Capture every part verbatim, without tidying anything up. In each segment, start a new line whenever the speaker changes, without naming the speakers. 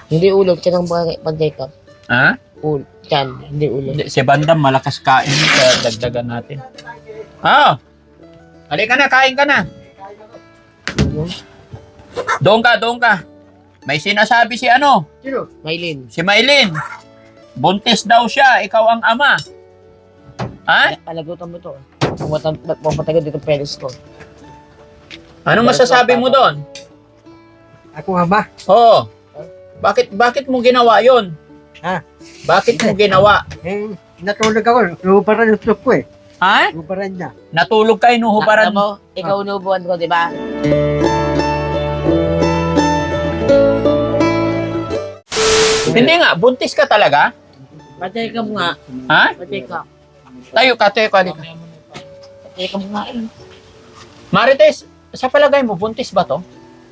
Hindi ulo, tiyan ang pag-check up.
Ha?
Ulo, tiyan, hindi ulo.
Hindi, si Bandam malakas kain, kaya dagdagan natin. Ah! Halika na, kain ka na. Doon ka, doon ka. May sinasabi si ano?
Sino? Maylin.
Si Maylin. Buntis daw siya, ikaw ang ama. Ha?
Palagutan mo to. Pumatagal dito penis ko.
Anong masasabi mo doon?
Ako nga ba?
Oo. Bakit bakit mo ginawa 'yon?
Ha?
Bakit mo ginawa?
Eh, natulog ako. Nuhubaran yung truck ko eh.
Ha?
Nuhubaran niya.
Natulog ka, inuhubaran
mo, ikaw inuubuan ko, di ba?
Hindi nga, buntis ka talaga?
Pa-check up nga.
Ha?
Pa-check up.
Tayo ka, tayo ka. halika.
Pa-check up nga eh.
Marites, sa palagay mo, buntis ba to?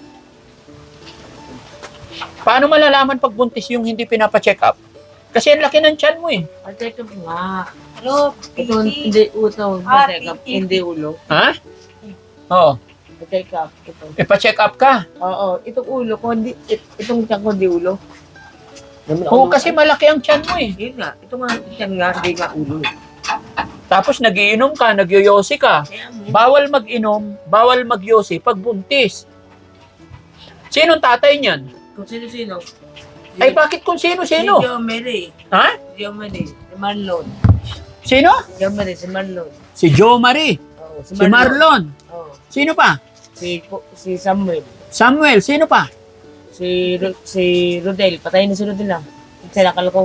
Paano malalaman pag buntis yung hindi pinapa-check up? Kasi ang laki ng tiyan mo eh.
Pa-check up nga.
Ano?
Ito hindi ulo. Pa-check up, hindi ulo.
Ha? Oo.
Pa-check up. Ito.
E pa-check up ka.
Oo, itong ulo ko, hindi, it, itong tiyan ko, hindi ulo.
Oo, kasi malaki ang tiyan mo eh.
Yun nga, ito nga, tiyan nga, hindi nga ulo.
Tapos nagiinom ka, nagyoyosi ka.
Kaya mo,
Bawal mag-inom, bawal magyosi pag buntis. Sinong tatay niyan?
kung sino-sino.
Ay bakit kung sino-sino?
Si Jomeri.
Ha?
Si Jomeri. Si Marlon.
Sino?
Jomeri, si Marlon.
Si Jo Marie.
Oo,
Si Marlon.
Oo.
Sino pa?
Si, si Samuel.
Samuel. Sino pa?
Si Ro- si Rodel, patayin na si Rodel ah. Sinakal ko.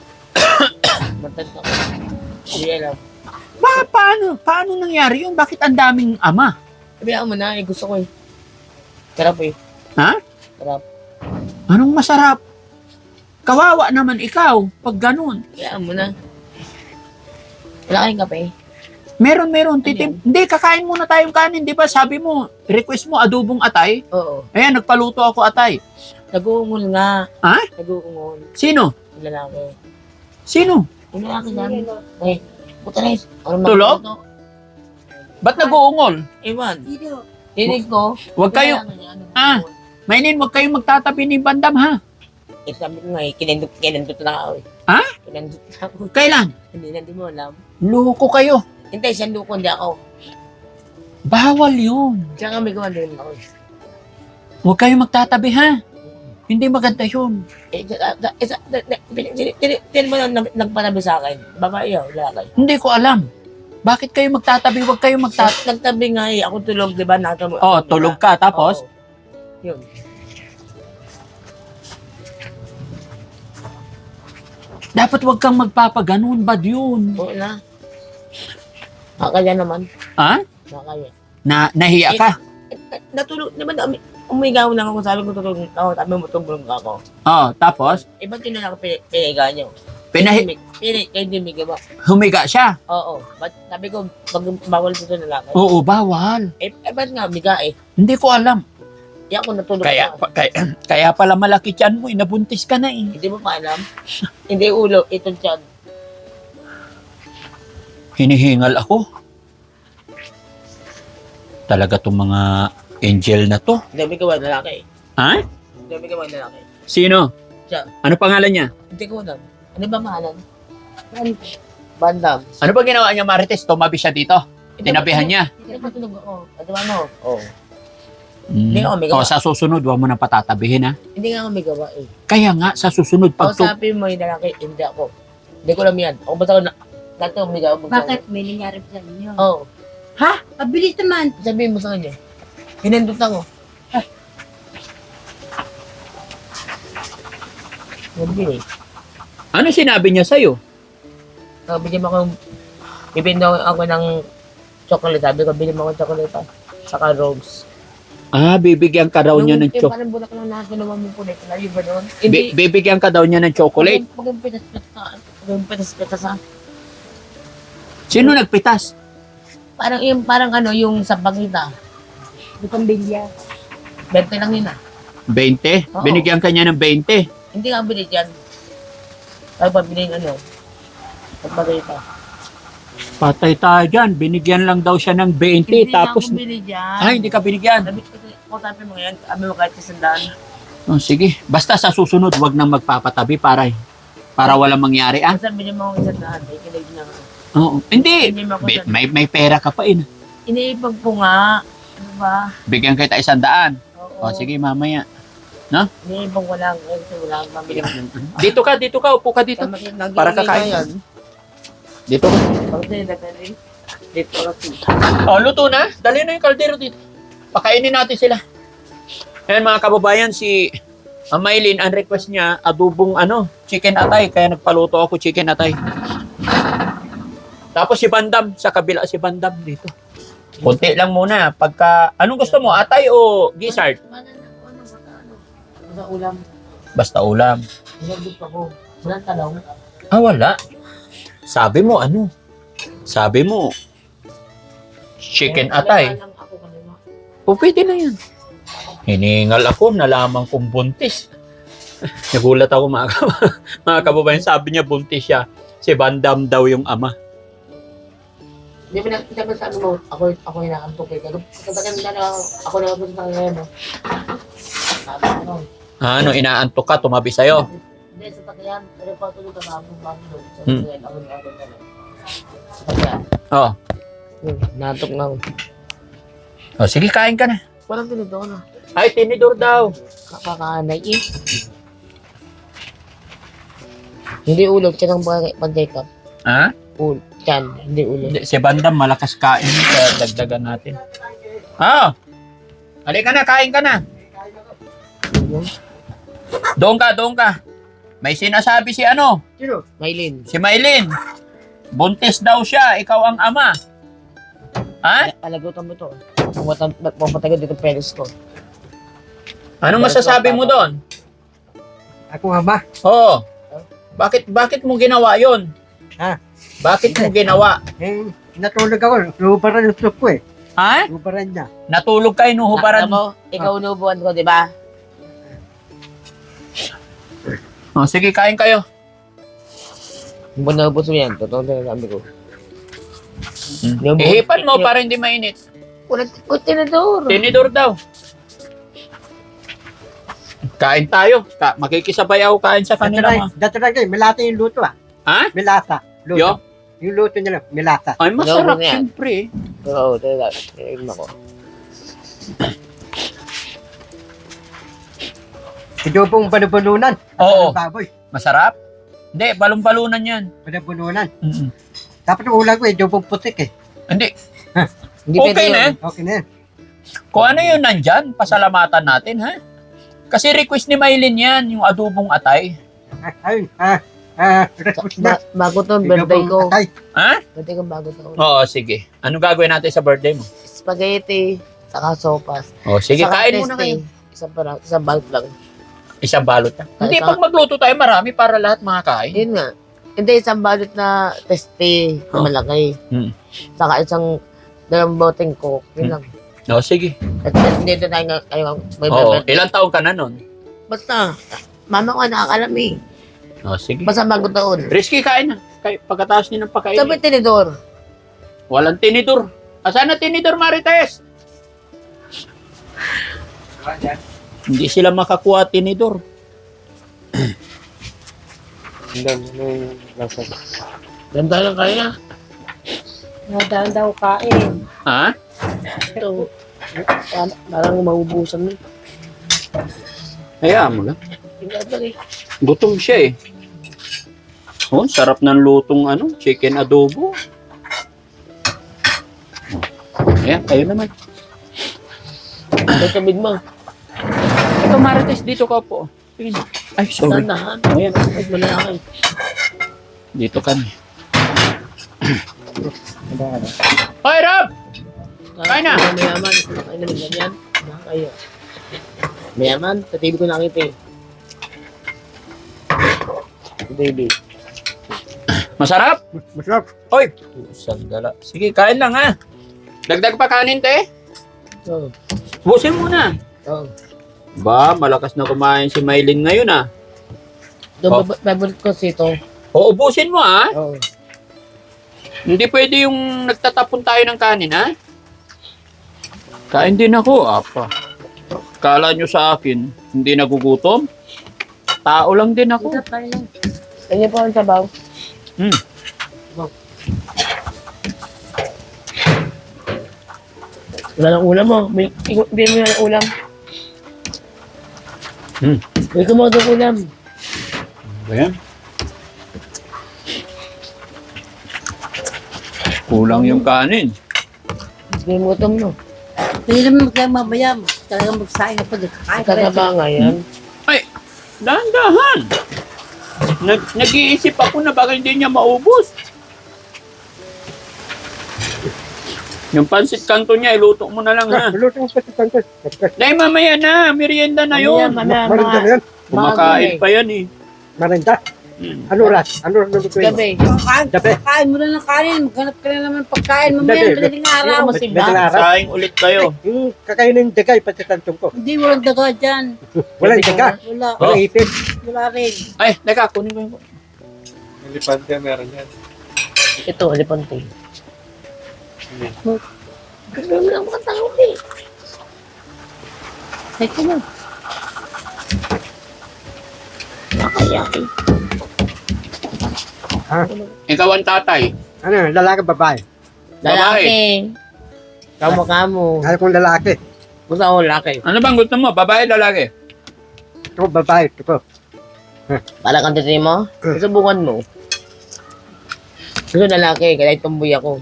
Matag ko. Hindi alam.
Pa paano? Paano nangyari yun? Bakit ang daming ama?
Sabihan mo na, eh, gusto ko eh. Sarap eh.
Ha?
Sarap.
Anong masarap? Kawawa naman ikaw pag ganun.
Sabihan mo na. Wala kayong kape.
Meron, meron. Titim. Hindi, kakain muna tayong kanin. Di ba sabi mo, request mo adobong atay?
Oo.
Ayan, nagpaluto ako atay.
Nag-uungol nga.
Ha?
Nag-uungol.
Sino?
Yung lalaki.
Sino?
Yung lalaki namin. Eh, puta na eh. Ano
Tulog?
magluto?
Ba't nag-uungol?
Ewan.
Dito.
Tinig ko.
Huwag kayo,
Kailangan niya, ano,
Ah. Maylin, huwag kayong magtatabi ni Bandam, ha?
Eh, sabi ko nga eh, kinandot, kinandot na ako eh.
Ha?
Kinandot na ako.
Kailan?
Hindi na, di mo alam.
Loko kayo.
Hindi, siya luko, hindi ako.
Bawal yun.
Siya nga may gawa din ako. eh.
Huwag kayong magtatabi, ha? Hindi maganda yun.
Eh, sa- sa- eh, sa- na- na- tin- tin- tin- tin mo lang nag- nagpanabi sa akin. Babae yun, lalaki.
Hindi ko alam. Bakit kayo magtatabi? Huwag kayong magtatabi.
Tat- Nagtabi nga eh, ako tulog, di ba? Nasa mo.
Oh, tulog ka, tapos?
Oo. Yun.
Dapat huwag kang magpapaganon. Bad yun.
Oo na. Nakakaya naman.
Ha?
Nakakaya.
Na, nahiya ka?
Eh, eh, natulog, di ba? umi- Umigaw lang ako, sabi ko tulog ako, sabi mo tulog ako.
Oh, tapos?
Eh, ba't yun na ako pini- piniga niyo?
Pinahi
Pini, kayo din may gawa.
humiga siya.
Oo. Ba't sabi ko, pag bawal dito na lang.
Oo, bawal.
Eh, eh, ba't nga, miga eh.
Hindi ko alam.
Di ako natulog
Kaya,
ako.
pa- kaya, kaya pala malaki tiyan mo. Inabuntis ka na eh.
Hindi mo pa alam? Hindi ulo, itong tiyan.
Hinihingal ako. Talaga tong mga angel na to.
Hindi may gawa lalaki.
Ha?
Hindi may gawa lalaki.
Sino?
Siya.
Ano pangalan niya?
Hindi ko alam. Ano ba mahalan? Bandam.
Ano ba ginawa niya, Marites? Tumabi siya dito. Tinabihan niya.
Hindi ko tulog ako. Ano ba ano? Oo.
Mm.
Hindi ako may gawa.
O, sa susunod, huwag mo nang patatabihin, ha?
Hindi nga ako may gawa eh.
Kaya nga, sa susunod,
Pag
pag tu-
sabi mo yung lalaki, hindi ako. Hindi ko alam yan. Ako basta ako na, dati ako may gawa.
Bakit may nangyari sa inyo?
Oo.
Ha? Mabilis naman.
Sabihin mo sa kanya. Hinandot ako. Sabi eh.
ano sinabi niya sa'yo?
Sabi niya ako, bibili daw ako ng chocolate. Sabi ko, bili mo ako ng chocolate. ah. Saka rose.
Ah, bibigyan ka daw niya ng
Yung
chocolate.
parang bulak lang na ginawa mo po na ito. ba doon?
Bi- bibigyan ka daw niya ng chocolate.
Pag yung pitas-pitas ka. Pag yung pitas-pitas ka.
Sino nagpitas?
Parang yung, parang ano, yung sa pagkita.
Di pambilya.
Bente lang yun ah.
twenty?
Oo.
Binigyan ka niya ng twenty.
Hindi ka bili dyan. Ay, pabili ng ano. Sa pagkita.
Patay tayo dyan. Binigyan lang daw siya ng twenty.
Hindi
Tapos,
nga ako bili dyan.
ay, hindi ka binigyan.
Sabi ko, kung sabi mo yan, sabi mo kahit isang daan.
Oh, sige. Basta sa susunod, wag nang magpapatabi para para walang mangyari, ah.
Ang sabi niyo mga isang daan, ay kinig na nga.
Oo. Hindi.
Hindi mo ako
May,
sa-
may, may pera ka pa, eh.
Iniipag ko nga. Ano ba?
Bigyan kita isang daan.
Oo.
O, sige, mamaya.
Iniipag ko lang. Kasi wala akong mamili.
Dito ka, dito ka. Upo ka dito. Para kakain ka. Dito ka.
Pagkakita na rin. Dito kasi.
Oh, luto na. Dali na yung kaldero dito. Pakainin natin sila. Ayan mga kababayan, si uh, Maylin, ang request niya, adubong ano, chicken atay. Kaya nagpaluto ako chicken atay. Tapos si Bandam, sa kabila si Bandam dito. Kunti lang muna. Pagka, anong gusto mo? Atay o gizzard?
Ano, ano, basta ano. Basta ulam.
Basta ulam.
Nagdip ako. Walang talong.
Ah, wala. Sabi mo, ano? Sabi mo, chicken atay.
Lang ako kanina.
O, pwede na yan. Hiningal ako, nalaman kong buntis. Nagulat ako mga, kab- mga kababayan. Sabi niya, buntis siya. Si Bandam daw yung ama.
Hindi mo nakita ba sa ano mo? Ako, ako yung nakantok eh. Katagan na na ako na ako sa ngayon. no? Sabi ko nun.
Ano, inaantok ka, tumabi sa'yo.
Hindi, sa takyan. Pero pa tulog ka na akong bago doon. Sa
Hmm.
takyan, ako na ako na lang. Sa takyan.
Oh.
Yun, natok na ako.
oh, sige, kain ka na.
Walang ganito na.
Ay, tinidor daw.
Kakakanay eh. Hindi ulog, tiyan ang pag-take up.
Ha?
Ul, tiyan, hindi ulog.
Hindi, si Bandam, malakas kain. Kaya dagdagan natin. Oh. Halika na, kain ka na. Doon ka, doon ka. May sinasabi si ano?
Sino?
Maylin.
Si Maylin. Buntis daw siya, ikaw ang ama. Ha?
Palagutan mo to. Pumatagal dito penis ko.
Anong masasabi mo doon?
Ako ama.
Oo. Bakit bakit mo ginawa 'yon?
Ha?
Bakit mo ginawa?
Eh, natulog ako. Nuhubaran yung suko eh.
Ha?
Nuhubaran niya.
Natulog kayo nuhubaran
Alam mo, ikaw unubuan ko, di ba?
Oh, sige, kain kayo.
Bunabos mo yan. Totoo na sabi ko.
Hmm. Ihipan mo para hindi mainit.
Walang tinador.
Tinidor daw. Kain tayo. Ka makikisabay ako kain sa kanila. mga-
Dati lang kayo, melata yung luto ah.
Ha?
Melata. Luto.
Yo?
Yung luto niya lang, melata.
Ay, masarap
Ano yan?
siyempre.
Oo, talaga. Tingnan ko.
Idobong banabununan.
Oo.
Baboy.
Masarap? Hindi, balong-balunan yan.
Banabununan.
Mm-mm.
Dapat yung ulam ko, idobong putik eh.
Hindi.
Hindi
Okay
pwede
na
yun.
eh.
Okay na yan.
Kung ano yun nandyan, pasalamatan natin, ha? Kasi request ni Maylin yan, yung adubong atay.
Ah, ayun. Ah, ah, request na.
Ba- bago to, birthday ko.
Atay.
Ha?
Birthday ko bago to.
Oo, sige. Anong gagawin natin sa birthday mo?
Spaghetti, saka sopas.
Oh, sige,
Saka
kain muna
testing.
kayo.
Isa pa lang, isang balot lang.
Isang balot na. Hindi,
Saka-
pag magluto tayo, marami para lahat makakain.
Yun nga. Hindi, isang balot na teste na
Oh.
malaki.
Hmm.
Saka isang dalawang boteng coke. Yun
Hmm.
lang.
Oh, sige.
At at hindi na tayo nga, kayo may
Oo,
birthday.
ilang taon ka na nun?
Basta, mama ko nakakalam eh.
Oh, sige.
Basta bago taon.
Risky, kain na. Kay, pagkatapos niyo ng pagkain.
Sabi tinidor.
Walang tinidor. Asan na tinidor, Marites? Hindi sila makakuha tinidor.
Ganda lang kaya.
Nadaan daw kain.
Ha?
Ito. Parang- Parang maubusan mo.
Hayaan mo lang.
Tingnan mo eh.
Gutom siya eh. Oh, sarap ng lutong ano, chicken adobo. Ayan, kayo naman.
Ito sabid mo.
Ito, Marites, dito ka po. Sige. Ay, sorry.
Tandahan.
Ayan,
Ay, malaki.
dito kami. Hoy, Rob! Kain na.
Mayaman. Kain na lang yan. Kayo. Mayaman. Sa T V ko nakita eh. Baby.
Masarap?
Masarap.
Hoy! Pusang gala. Sige, kain lang ha. Dagdag pa kanin, te.
Oo.
Busin mo na.
Oo.
Ba, malakas na kumain si Maylin ngayon ah.
Doon,
Oh.
bab- favorite ko sito.
O, ubusin mo ah.
Oo.
Hindi pwede yung nagtatapon tayo ng kanin ha. Kain din ako, apa. Kala nyo sa akin, hindi nagugutom. Tao lang din ako.
Ganyan po ang sabaw.
Hmm.
Wala ng ulam mo. May, ikaw- hindi mo ng ulam.
Hmm.
May kumawa ng ulam.
Ayan. Kulang yung kanin.
Hindi mo gutom no.
Hindi naman magkaya mamaya. Talagang magsaing ako dito. Ay,
Kasaba nga yan.
Ay, dahan-dahan. Nag nag-iisip ako na baka hindi niya maubos. Yung pansit kanto niya, iluto mo na lang ha.
Luto mo pa si Santos.
Dahil mamaya na, merienda na yun.
Mamaya,
Marinda na
mga
yan.
Kumakain pa yan eh.
Marinda.
Hmm.
Ano oras? Ano oras lutuin mo?
gabi.
Kain,
Gabi.
kain mo na ng kanin. Maghanap ka na naman pagkain.
Gabi.
Mamaya, madaling araw.
Hindi ko masimba.
Madaling araw.
Saing ulit kayo.
Yung kakainin ng dagay pati tantong ko.
Hindi, walang daga dyan.
Walang daga.
Wala.
Oh.
Walang ipit.
Wala rin.
Ay, teka, kunin ko yung...
Elefante meron yan.
Ito, alipante. Gusto mo lang makatawag eh.
Teka na.
Nakayaki.
Ikaw ang tatay.
Ano, lalaki babae.
Lalaki. Kamo-kamo.
Ano kong lalaki?
Gusto ako lalaki.
Ano bang gusto mo? Babae, lalaki?
Ito babae. Ito.
Para kang titri mo? Susubukan mo. Gusto lalaki, kaya tumboy ako.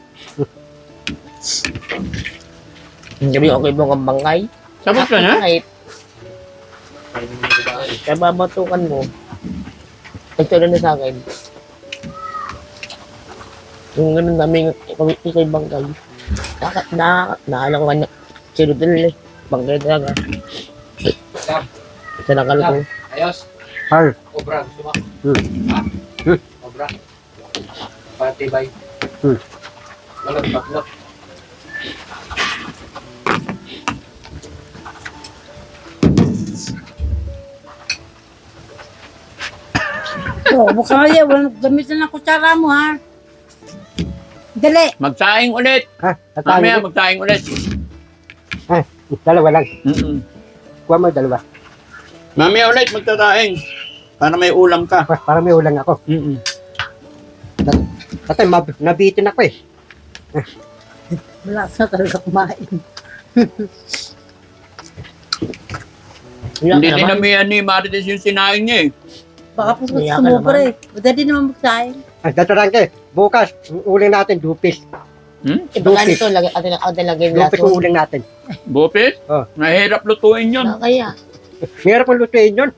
Sabi ko, okay mo kang bangkay?
Sabot ka na?
Kahit. Kaya babatukan mo. Ito na sa akin. Yung ganun namin, ikaw ikaw yung bangkay. Naka, na, naalala ko nga na, si Rodel eh. Bangkay talaga.
Sam,
Sa nakalo ko.
ayos.
Har.
Obra, gusto mo?
Hmm.
Ha?
Hmm.
Obra. Patibay.
Hmm.
Walang baklot.
Oh, baka kaya. Walang gamitan ng kutsara mo, ha? Dali.
Magsaing ulit.
Ha?
Mamaya,
Tatangin.
magsaing ulit.
Ha? Dalawa lang.
Mm-mm.
Kuha mo dalawa.
Mamaya ulit, magtataing. Para may ulam ka.
Pa- Para may ulang ako.
Mm-mm.
Tatay, mab- nabitin ako eh.
Wala na talaga kumain.
Wala
Hindi
ka
din
naman.
namihan ni Marites yung sinaing niya eh.
Baka po
Iyak ka
sumubra
naman.
eh. Madali naman magsaing.
Ay, datarangke. Bukas, uling natin, dupis.
Hmm?
Eh, baka nito, lagay, atin, atin lagay
Dupis
laso.
yung uling natin.
Bupit?
Oh.
Mahirap lutuin yun.
Baka kaya.
Meron kong lutuin yun.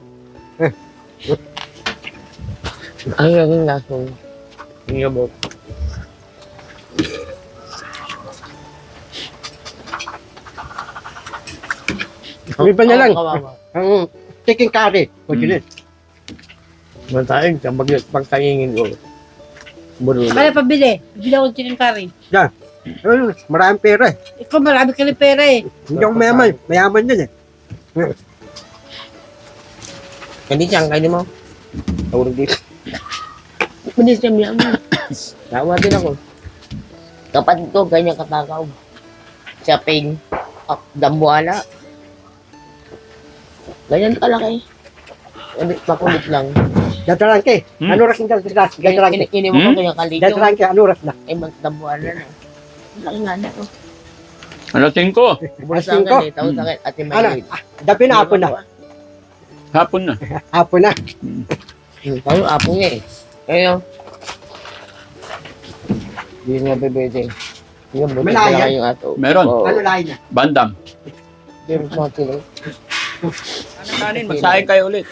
Ay, lagay laso. Yung yabot.
Ang iba niya lang.
Kawawa.
Ang chicken curry. O,
Hmm.
yun.
Mantaing, kapag pagkaingin ko. Buro.
Kaya pabili. Bibili ako ng chicken curry.
Ayun, maraming pera eh.
Ikaw marami ka rin pera eh.
Hindi ako mayaman. Mayaman yun eh.
Hindi siyang kainin mo. Tawag dito. Hindi siya miyan mo. Tawa din ako. Kapatid ko, ganyan katakaw. Siya ping. Ah, dambuala. Ganyan kalaki. Hindi, makulit lang.
Datarangke.
Hmm.
Ano oras yung datarangke? Datarangke.
Ini mo ko
Hmm?
ganyan kalito.
Datarangke, ano oras na?
Eh, magdambuala na. Laki nga na. Oh.
Alating ko.
Bukas
Asin
sa
ko.
akin eh. Tawag sa akin. Ate
Ano?
Maylid.
Dabi na hapon na.
Hapon na.
Hapon na.
Tayo, apo niya eh. Kaya, hindi nga bebete. Yung buti
Malaya?
pala yung ato.
Meron.
Oo.
Ano lain na?
Bandam.
Hindi mo sa atin eh.
Ano kanin? Magsaing kayo ulit.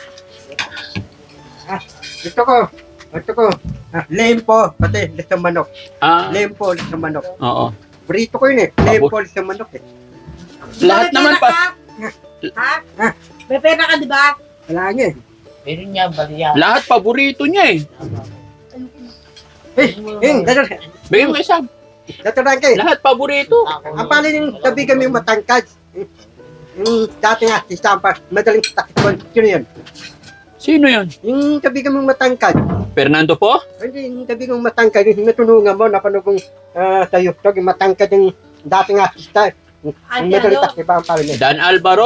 Gusto ko. Gusto ko. Ah, lempo. Pati, lisang manok.
Ah,
Lempo, lisang manok.
oo.
Burrito ko yun eh. Lempo, lisang manok eh.
Lahat
May
naman
pera
pa.
ka? Ha? May pera ka, di ba?
Wala nga eh.
Meron niya, bariya.
Lahat paborito niya eh.
Eh, eh, datar-
Bigyan mo isa.
datarangke.
Lahat paborito.
Ang pala yung tabi kami matangkad. Yung dati nga, si Sampa, madaling takipon. Sino yun?
Sino yun?
Yung tabi kami matangkad.
Fernando po?
Hindi, yung tabi kong matangkad. Yung natulungan mo, napanood kong uh, tayo. Yung matangkad yung dati nga artista.
Ay,
Yung madaling
ano?
takipan ang pala niya.
Dan Alvaro.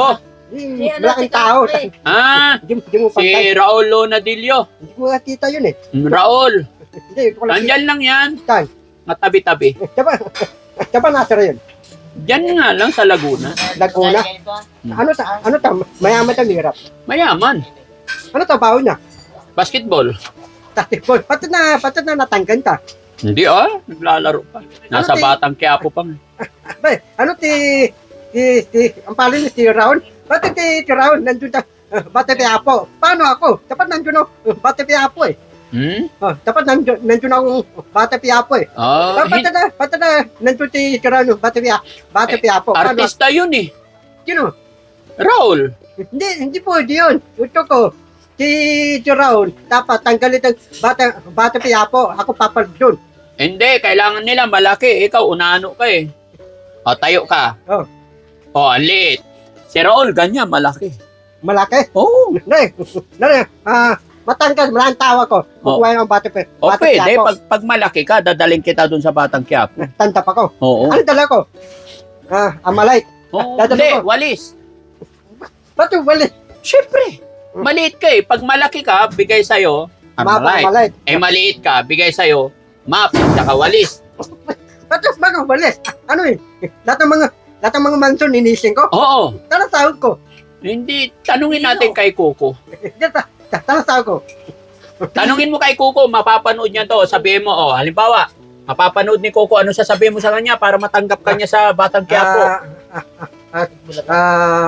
Yung
Si ano,
malaking
si
tao.
Capre.
Ah,
Hindi mo- hindi mo
si
pantay.
Raul Lonadillo.
Hindi mo nakita yun eh.
Mm, Raul,
Hindi, ito ko lang.
nandyan lang yan.
Saan?
Matabi-tabi.
Diba? Diba nasara yun?
Diyan nga lang sa Laguna.
Laguna.
Ganito, ah.
Ano ta? Ano ta? Mayaman ta mirap.
Mayaman.
Ano trabaho niya?
Basketball.
Basketball. Pati na, pati na natanggan ta.
Hindi ah, naglalaro pa. Nasa
Ano, ti-
Batang Quiapo pa nga.
Ba, ano ti, ti, ti, ang pala ni si Raul? Pati ti, ti Raul, nandun ta. Uh, Bate Piapo. Paano ako? Dapat nandun ako. Uh, Bate Piapo eh.
Hmm?
Oh, dapat nandun, nandun ako. Bate Piapo eh.
Ah,
Ah, pati na, pati na, nandun ti, ti Raul. Bate Piapo. Bate
Eh,
Piapo. Paano?
artista yun eh.
Sino?
Raul.
Hindi, hindi po, di yun. Ito ko. Si, si Raul, dapat tanggalin ang Bate, Bate Piapo. Ako papal doon.
Hindi, kailangan nila malaki. Ikaw, unano ka eh. O, tayo ka.
Oh.
O, ang liit. Si Raul, ganyan, malaki.
Malaki.
Oo.
Nari, nari, ah, matanggal, maraming tawa ko. Kukuha yung Bate Piapo.
O, pwede. Pag, pag malaki ka, dadaling kita dun sa Batang Quiapo.
Tanda pa ko.
Oo.
Ano dala ko? Ah, Amalite.
Oo.
Dadala
Hindi,
ko.
walis.
Ba't yung balik?
Siyempre. Maliit ka eh. Pag malaki ka, bigay sa'yo,
Mapa,
Armalite.
Amalite.
Eh, maliit ka, bigay sa'yo, map, saka walis.
Ba't yung mga balik? Ano eh? Lahat ng mga, lahat ng mga mansion ninisin ko.
Oo.
Tara sahod ko.
Hindi, tanungin natin kay Kuko.
Tara, tara sahod ko.
Tanungin mo kay Kuko, mapapanood niya to. Sabihin mo, oh, halimbawa, mapapanood ni Kuko, ano sasabihin mo sa kanya para matanggap ka niya sa Batang Quiapo?
Ah, ah, ah, ah,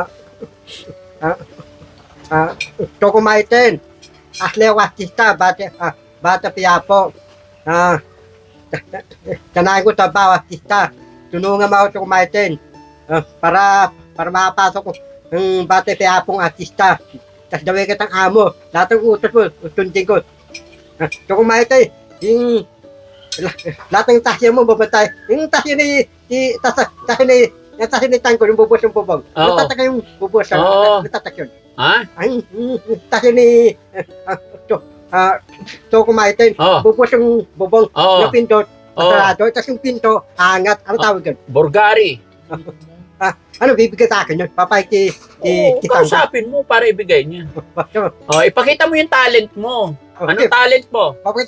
ah, ah, Choco Maiten. Asle Watista, Bate, ah, Bate Piapo. Ah, Tanahin ko sa Watista. Tunungan mo ako Choco Maiten. Ah, para, para makapasok ko ng Bate Piapong artista. Tapos dawin kitang amo. Lahat ng utos mo, utundin ko. Ah, Choco Maiten, yung lahat ng tasya mo babantay. Yung tasya ni, ni tasya, tasya ni, yung tasya ni Tango, yung bubos yung bubong.
Oo.
Natatak yung bubos,
Oo.
natatak yun.
Ha?
Ay, mm, tasya ni, ah, to, ah, to kumaiten,
Oo.
bubos yung bubong,
Oo.
yung pinto,
Oo.
sarado, tapos yung pinto, angat, ano tawag yun?
Burgari.
Ano, bibigyan sa akin yun? Papay ki,
Oo,
ki, ki Tango.
kausapin mo para ibigay niya. Oh, ipakita mo yung talent mo. Anong
Okay,
talent mo?
papay,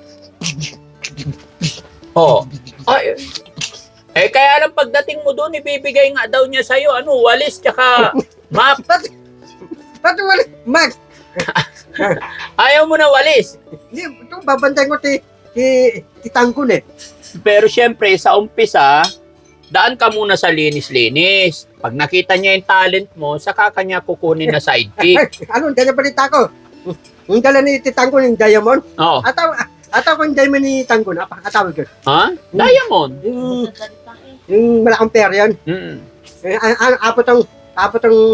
Oh. Ay, eh, kaya lang pagdating mo doon, ibibigay nga daw niya sa'yo, ano, walis, tsaka map.
ba't wala, Max,
Ayaw mo na walis.
hindi, ito, babantay ko ti, ti, ti Tango eh.
Pero syempre, sa umpisa, daan ka muna sa linis-linis. Pag nakita niya yung talent mo, saka kanya kukunin na sidekick.
Ay, ano, dala balita ko. Yung dala ni Titango ng Diamond,
Oo.
ataw, ataw ko yung Diamond ni Tango, apa, atawag yun.
Ha? Diamond.
Yung,
Magsasalita eh.
yung malaking pera yun.
Mm.
Eh, an, an, apot ang, apot ang,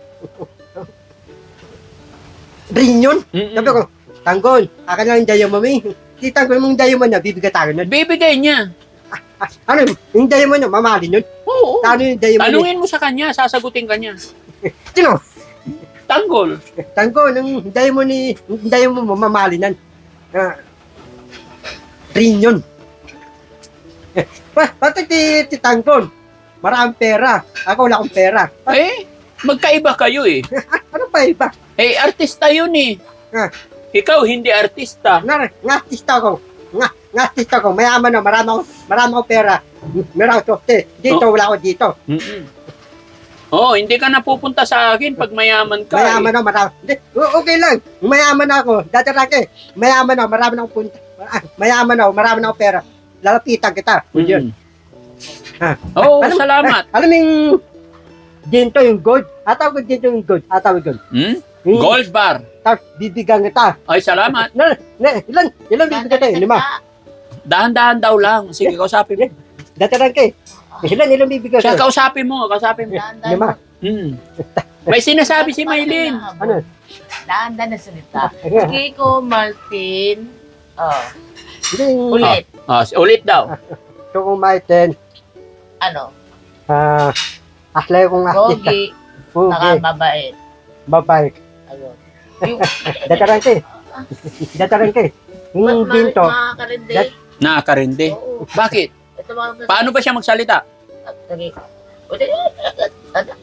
ring yun.
Mm-mm.
Sabi ko, Tanggol, akin lang yung Diamond mo. Si Tanggol mong Diamond niya, bibigatan yun.
Bibigay niya.
Ah, ano, yung Diamond niya, mamahalin yun.
Oo.
Ano yung Diamond niya?
Tanungin mo sa kanya, sasagutin ka niya.
Sino?
Tanggol.
Tanggol, yung Diamond ni, yung Diamond mo, mamahalin yan. Ah, ring yun. Eh, pa, pati ti, ti Tanggol, maraming pera. Ako wala akong pera. Pa,
Eh, magkaiba kayo eh.
ano pa iba?
Eh, artista yun eh.
Ah.
Ikaw, hindi artista.
Nga, nga artista ko. Nga, nga artista ko. Mayaman na, marami akong, marami akong pera. Meron akong softe. Dito, wala ako dito.
Mm-mm. Oh, hindi ka napupunta sa akin pag mayaman ka.
Mayaman
eh.
na, marami. Hindi, o- okay lang. Mayaman na ako. Dati rake, mayaman na, marami na akong punta. Ah, mayaman na ako, marami na akong pera. Lalapitan kita.
Mm-mm.
Yun. Ah.
Oo,
Alam-
salamat.
Alam mo yung dito yung gold? Atawag ko dito yung gold. Atawag yun.
Hmm?
Yung-
Gold bar.
Tapos bibigyan kita.
Ay, salamat.
Na, na, ilan, ilan bibigyan tayo? Lima.
Dahan-dahan daw lang. Sige, kausapin mo.
Dati rake. Ilan, ilan bibigyan
Siya,
tayo?
kausapin mo. Kausapin mo.
Daan-daan
Lima.
Hmm. May sinasabi si Maylin.
Ano?
Daan-daan na salita.
Ano?
Kiko Martin. Oh,
Hindi yung
ulit.
Oh, ulit daw.
Choco Maiten.
Ano?
Ah, aslay kong artista.
Gogi. Saka
Okay.
mabait.
Babae.
Ayun. Yung,
Dataran ka eh. Dataran ka eh. Yung binto.
Makakarindi.
Dat-
Nakakarindi.
Oo.
Bakit?
Ito mga...
Paano ba siya magsalita?
Lagi. Ulit.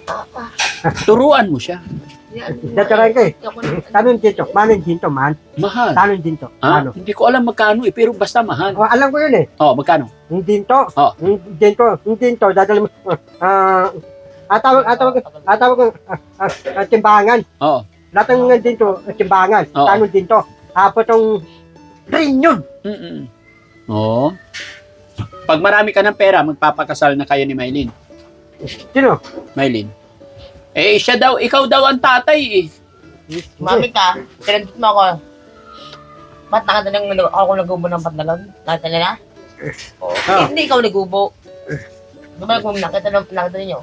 Turuan mo siya.
Dadaran ka eh. Tanong dito, manong dito man.
Mahal.
Tanong dito,
Ah,
ano?
hindi ko alam magkano eh, pero basta mahal.
Oh, alam ko yun eh.
Oh, magkano?
Yung dinto.
Oh.
Yung dinto, yung dinto, dadali mo. Ah, atawag, atawag, atawag, ah, ah, ah, timbangan.
Oo.
Lahat ng mga dinto, ah, timbangan.
Oo.
Tanong dinto. Apo tong rin yun.
Mm-mm. Oo. Pag marami ka ng pera, magpapakasal na kayo ni Maylin.
Sino?
Maylin. Eh, siya daw, ikaw daw ang tatay eh.
Mami ka, pinagdit mo ako. Ba't nakatalang ako nagubo ng patlalag? Nakita nila? Oo.
Ah.
Hindi ikaw nagubo. Diba kung nakita na nakita ninyo?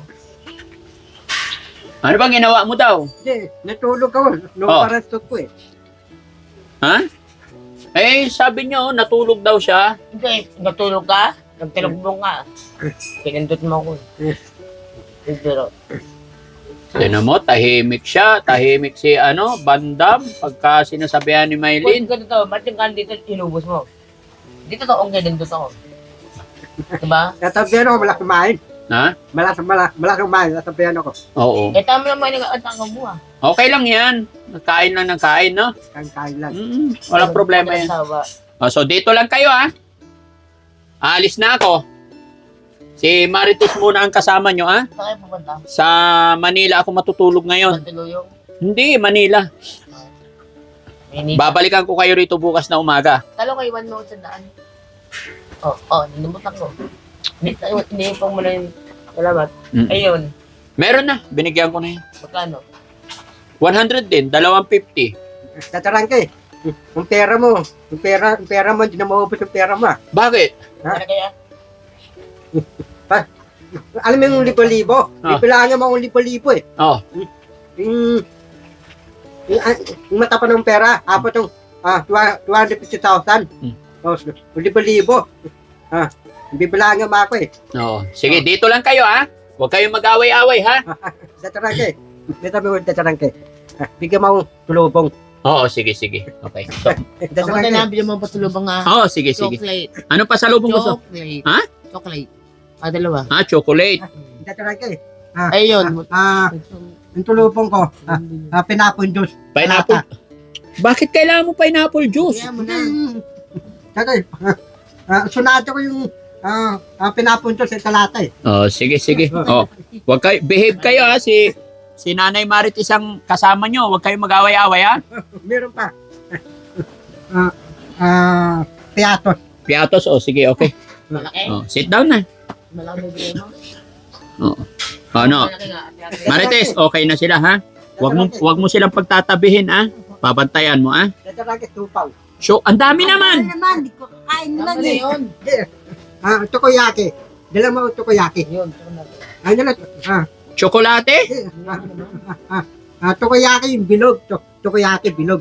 Ano bang ginawa mo daw?
Hindi, natulog ako. Nung
Oh.
parang stok ko eh.
Ha? Eh, sabi niyo, natulog daw siya.
Hindi, natulog ka? Nagtilog ka? Pinindot mo ako.
Eh.
Pero,
Tignan mo, tahimik siya. Tahimik si, ano, Bandam. Pagka sinasabihan ni
kung
Maylin.
ganito, ba't yung kan dito inubos mo? Dito to, ang ganindot ako. Diba?
Natabihan ako, malas kumain.
Ha?
Malas, malas, malas kumain. Natabihan ako.
Oo.
Eh, tama naman yung atang mo ah.
Okay lang yan. Nagkain lang ng kain, no?
Kain-kain lang.
Mm, walang problema yan.
Asawa.
Oh, so, dito lang kayo, ha? Aalis na ako. Si Marites muna ang kasama nyo, ha?
Saan kayo pupunta?
Sa Manila ako matutulog ngayon.
Matuluyong?
Hindi, Manila.
Minit.
Babalikan ko kayo rito bukas na umaga.
Talo kayo one note sa daan. Oh, oh, nilimutan ko. Hindi po mo na yung salamat.
Mm.
Ayun,
Meron na, binigyan ko na yun.
magkano?
one hundred din, dalawang fifty.
Tataran ka eh. Yung pera mo, yung pera, yung pera mo, hindi na maubos yung pera mo. ah.
Bakit?
Ha?
Ano kaya?
Alam mo yung libo-libo?
Ah.
Ipilangan mo ang libo-libo eh.
Oh,
Yung, yung, ah, yung mata pa ng pera, apat yung ah, two hundred fifty thousand.
Hmm.
Oh, yung libo-libo. Ah, bibilangan mo ako eh.
no. Sige, dito lang kayo, ha? Huwag kayong mag-away-away, ha?
Tataran ka eh. Dito mo tataran ka eh. Ah, bigyan mo akong tulubong.
Oo, sige, sige. Okay. So,
Ako
Tataran
na
ka eh.
nabili mo patulubang nga.
oh, sige, sige.
Chocolate.
Ano pa sa lubong gusto?
Chocolate.
Ha?
Chocolate. Ah, dalawa.
Ah, chocolate.
Tataran ka eh.
Ayun.
Ah, yung tulubong ko, ah, ah, pinapon juice.
Pineapple. Bakit kailangan mo pineapple juice?
Kaya mo na.
Tatay, ah, ah, sunado ko yung ah, ah, pinapon juice sa talata eh.
Oh, sige, sige. Oh, wag kayo, behave kayo, ha? Si, si Nanay Marit isang kasama nyo. Huwag kayong mag-away-away, ha?
Meron pa. Ah, ah, piatos.
Piatos, oh, sige, okay.
Malaki.
Oh, sit down na.
Malaki mo bigay mo.
Oh. Ano?
Malaki nga.
Marites, okay na sila, ha? Wag mo, wag mo silang pagtatabihin, ha? Babantayan mo, ha?
Tataran ka tupaw.
So, ang dami
Ano
naman.
naman, di ko kakain naman
Ano
eh.
yun?
Ah, tokoyaki. Dala mo ang tokoyaki.
Yun. ito na.
Ano na? Ah,
Chocolate?
eh, ah, ah, ah, tokoyaki yung bilog. To, tokoyaki bilog.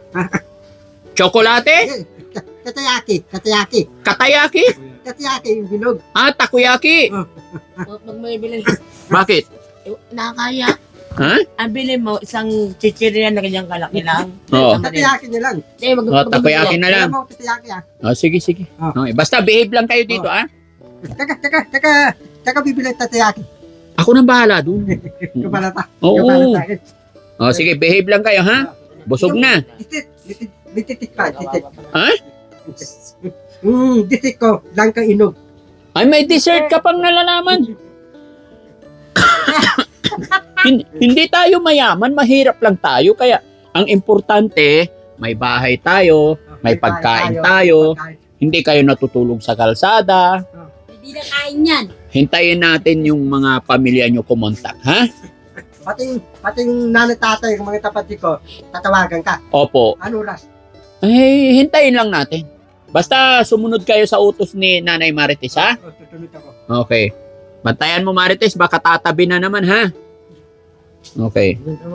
Chocolate?
Eh, Tatayaki, tatayaki.
Katayaki?
Tatayaki yung bilog.
Ah, takoyaki.
Pag may bilhin,
Bakit?
eh, nakakaya.
Ha?
Ang bilhin mo, isang chichirya na kanyang kalaki lang.
Oo.
Tatayaki niya lang.
Eh, mag-
Oh, takoyaki na lang.
Dala mo ang tatayaki ah.
Oh, sige, sige.
Ah.
Okay, basta behave lang kayo dito, ha?
Teka, teka, teka. Teka, bibili ng tatayaki.
Ako nang bahala dun.
Yung balata.
Oo.
Yung balata.
Oh, sige, behave lang kayo, ha? Busog na.
Ditit, ditit, ditit pa, ditit.
Ha?
Hmm, ditit ko. Lang kang inog.
Ay, may dessert ka pang nalalaman. Hin- hindi tayo mayaman, mahirap lang tayo. Kaya, ang importante, may bahay tayo, may pagkain tayo, hindi kayo natutulog sa kalsada.
Hindi na kain yan.
Hintayin natin yung mga pamilya nyo kumontak, ha?
Pating, pating nanay tatay, yung mga kapatid ko, tatawagan ka.
Opo.
Ano oras?
Ay, hintayin lang natin. Basta sumunod kayo sa utos ni Nanay Marites, ha?
Oh, tutunod ako.
Okay. Bantayan mo, Marites, baka tatabi na naman, ha? Okay.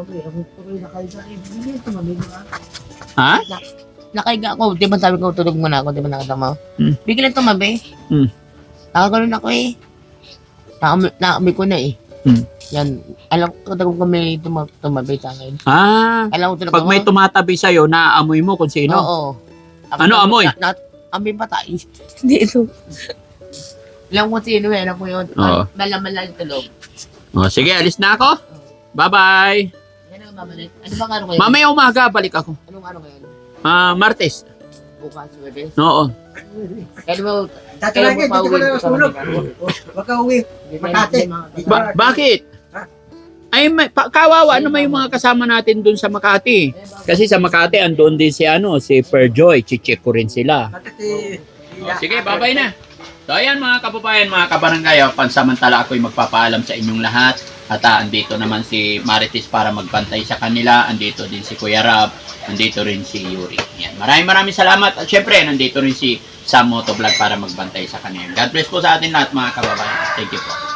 Ha?
Nakaiga ako. Di ba sabi ko tulog muna ako, di ba nakita mo?
Hmm.
Biglang tumabi.
Hmm.
Nakaganon ako eh. Nakami, nakami ko na eh.
Hmm.
Yan. Alam ko kung kami tuma, tumabi sa akin.
Ah,
Alam ko tulog
pag may
ako.
tumatabi sa'yo, naaamoy mo kung sino.
Oo. Ako
Ano
na-
amoy?
Na, na, amoy patay. Hindi ito. Alam ko sino eh. Alam ko yun.
Oo.
Malaman lang yung tulog.
O, sige, alis na ako. Bye-bye.
Yan ang babalik. Ano bang ano ngayon?
Mamaya umaga, balik ako.
Anong ano ngayon?
Ah, Martes.
Bukas, Webes?
Oo.
Kaya mo,
Tatalagay, dito ko na nasulog. Huwag ka uwi. Makati.
Ba- bakit? Ay, may, pa, kawawa naman yung mga kasama natin dun sa Makati. Kasi sa Makati, andun din si, ano, si Perjoy. Chicheck ko rin sila. O, sige, bye-bye na. So, ayan mga kababayan, mga kabarangay, oh, pansamantala ako'y magpapaalam sa inyong lahat. At ah, andito naman si Marites para magbantay sa kanila. Andito din si Kuya Rab. Andito rin si Yuri. Yan. Maraming maraming salamat. At syempre, nandito rin si Sam Motovlog para magbantay sa kanila. God bless po sa atin lahat mga kababayan. Thank you po.